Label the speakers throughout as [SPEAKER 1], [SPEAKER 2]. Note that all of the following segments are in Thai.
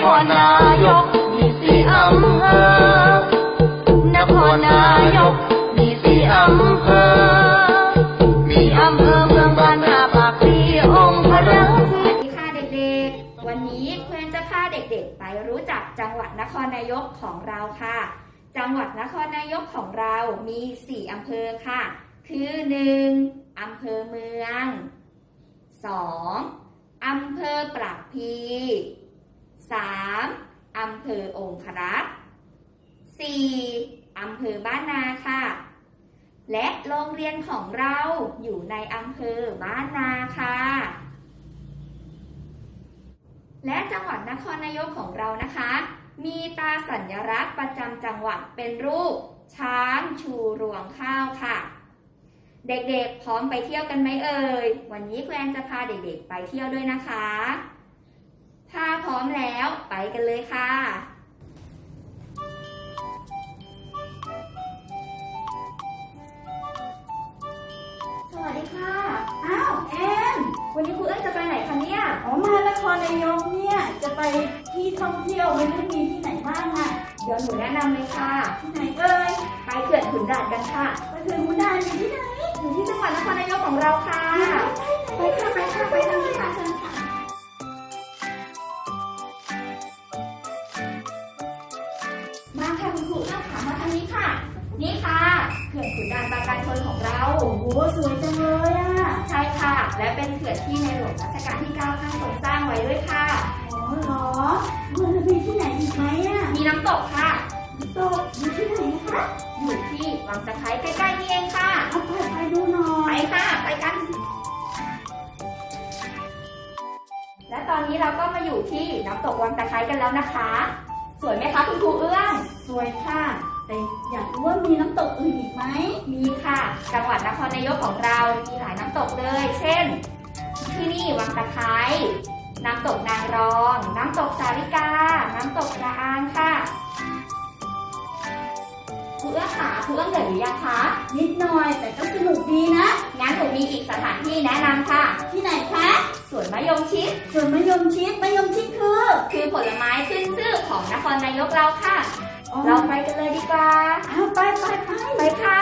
[SPEAKER 1] ครนายกมีสี่อำเภอนครนายกมีสี่อำเภอมีอำเภอเมืองบ้านนาปากพลีองค์พระ
[SPEAKER 2] สวัสดีค่ะเด็กๆวันนี้เพื่อนจะพาเด็กๆไปรู้จักจังหวัดนครนายกของเราค่ะจังหวัดนครนายกของเรามี4อำเภอค่ะคือ 1. อำเภอเมือง 2. อำเภอปากพลี 3. อำเภอองครักษ์ 4. อำเภอบ้านนาค่ะและโรงเรียนของเราอยู่ในอำเภอบ้านนาค่ะและจังหวัดนครนายกของเรานะคะมีตราสัญลักษณ์ประจำจังหวัดเป็นรูปช้างชูรวงข้าวค่ะเด็กๆพร้อมไปเที่ยวกันไหมเอ่ยวันนี้คุณแอนจะพาเด็กๆไปเที่ยวด้วยนะคะถ้าพร้อมแล้วไปกันเลยค่ะสวัสดีค่ะอ้าวแอนวันนี้ครูเอ้ยจะไปไหนคะเนี่ย
[SPEAKER 3] มานครนายกเนี่ยจะไปที่ท่องเที่ยวไม่รู้มีที่ไหนบ้างอ่ะ
[SPEAKER 2] เดี๋ยวหนูแนะนำเลยค่ะ
[SPEAKER 3] ที่ไหนเอ่ย
[SPEAKER 2] ไปเขื่อนขุนด่านกันค่ะ
[SPEAKER 3] ไปเขื่อนขุนด่านอยู่ที่ไหน
[SPEAKER 2] อยู่ที่จังหวัดนครนายกของเราค่ะไปค่ะไปค่ะไปทางนี้ค่ะเชิญค่ะมาค่ะคุณครูค่ะมาทางนี้ค่ะนี่ค่ะเขื่อนขุนด่านปราการชนของเรา
[SPEAKER 3] โอ้โหสวยจังเลยอ่ะ
[SPEAKER 2] ใช่ค่ะและเป็นเขื่อนที่ในหลวงรัชกาลที่9ท่านทรงสร้างไว้ด้วยค่ะ
[SPEAKER 3] อ๋อเหรอมันจะมีที่ไหนอีกไหมอ่ะ
[SPEAKER 2] มีน้ำตกค่ะ
[SPEAKER 3] น้ำตกอยู่ที่ไหนคะ
[SPEAKER 2] อยู่ที่วังตะไคร้ใกล้ๆนี่เองค่ะ
[SPEAKER 3] เอาไปดูหน่อย
[SPEAKER 2] ไปค่ะไปกันและตอนนี้เราก็มาอยู่ที่น้ำตกวังตะไคร้กันแล้วนะคะสวยไหมคะคุณครูเอื้อง
[SPEAKER 3] สวยค่ะแต่อยากรู้ว่ามีน้ำตกอื่นอีกไหม
[SPEAKER 2] มีค่ะจังหวัดนครนายกของเรามีหลายน้ำตกเลยเช่นที่นี่วังตะไคร้น้ำตกนางรองน้ำตกสาริกาน้ำตกกระอางค่ะครูเอื้องค่ะครูเอื้องเหนื่อยหรือยังคะ
[SPEAKER 3] นิดหน่อยแต่ก็สนุกดีนะ
[SPEAKER 2] งั้นหนูมีอีกสถานที่แนะนำค่ะ
[SPEAKER 3] ที่ไหนคะ
[SPEAKER 2] สวนมะยงชิด
[SPEAKER 3] สวนมะยงชิดมะยงชิด
[SPEAKER 2] คือผลไม้ขึ้นชื่อของนครนายกเราค่ะเราไปกันเลยดีกว่า
[SPEAKER 3] ไป
[SPEAKER 2] ค่ะ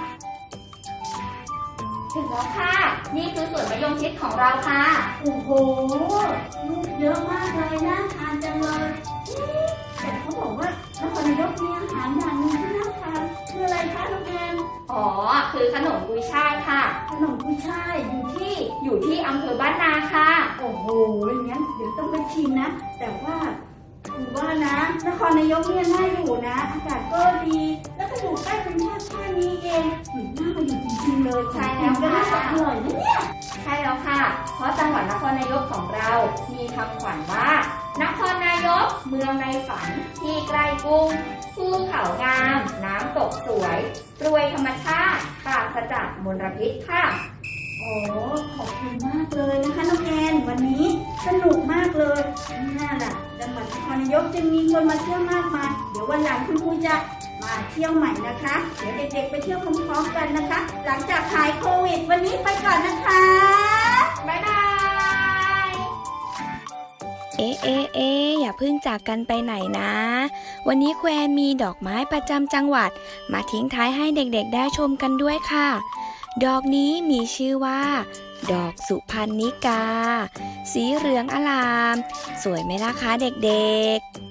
[SPEAKER 2] ถึงแล้วค่ะนี่คือสวนมะยงชิดของเราค่ะ
[SPEAKER 3] โอ้โหลูกเยอะมากเลยน่าทานจังเลยแต่เขาบอกว่านครนายกมีอาหารอย่างหนึ่งที่น่าทานคืออะไรคะน้องแอน
[SPEAKER 2] อ๋อคือขนมกุยช่ายค่ะ
[SPEAKER 3] ขนมกุยช่าย
[SPEAKER 2] อยู่ที่อำเภอบ้านนาค่ะ
[SPEAKER 3] โอ้โหงั้นเดี๋ยวต้องไปชิมนะแต่ว่าถือว่านะนครนายกเนี่ยน่าอยู่นะอากาศก็ดีแล้วก็อยู่ใกล้เป็นแค่นี้เองน่ามาอยู่จริงๆเลย
[SPEAKER 2] ใช่แล้วค่ะ
[SPEAKER 3] อร่อยนะเนี่ย
[SPEAKER 2] ใช่แล้วค่ะเพราะจังหวัดนครนายกของเรามีคำขวัญว่านครนายกเมืองในฝันที่ใกล้กรุงภูเขางามน้ำตกสวยรวยธรรมชาติปราศจากมลพิษค่ะ
[SPEAKER 3] โอ้ขอบคุณมากเลยนะคะน้องแอนวันนี้สนุกมากเลยน่าล่ะจังหวัดนครนายกจะมีคนมาเที่ยวมากมายเดี๋ยววันหลังคุณครูจะมาเที่ยวใหม่นะคะเดี๋ยวเด็กๆไปเที่ยวพร้อมๆกันนะคะหลังจากหายโควิดวันนี้ไปก่อนนะคะ
[SPEAKER 2] บ๊ายบาย
[SPEAKER 4] อย่าเพิ่งจากกันไปไหนนะวันนี้แควมีดอกไม้ประจำจังหวัดมาทิ้งท้ายให้เด็กๆได้ชมกันด้วยค่ะดอกนี้มีชื่อว่าดอกสุพรรณิกาสีเหลืองอลามสวยไหมล่ะคะเด็กๆ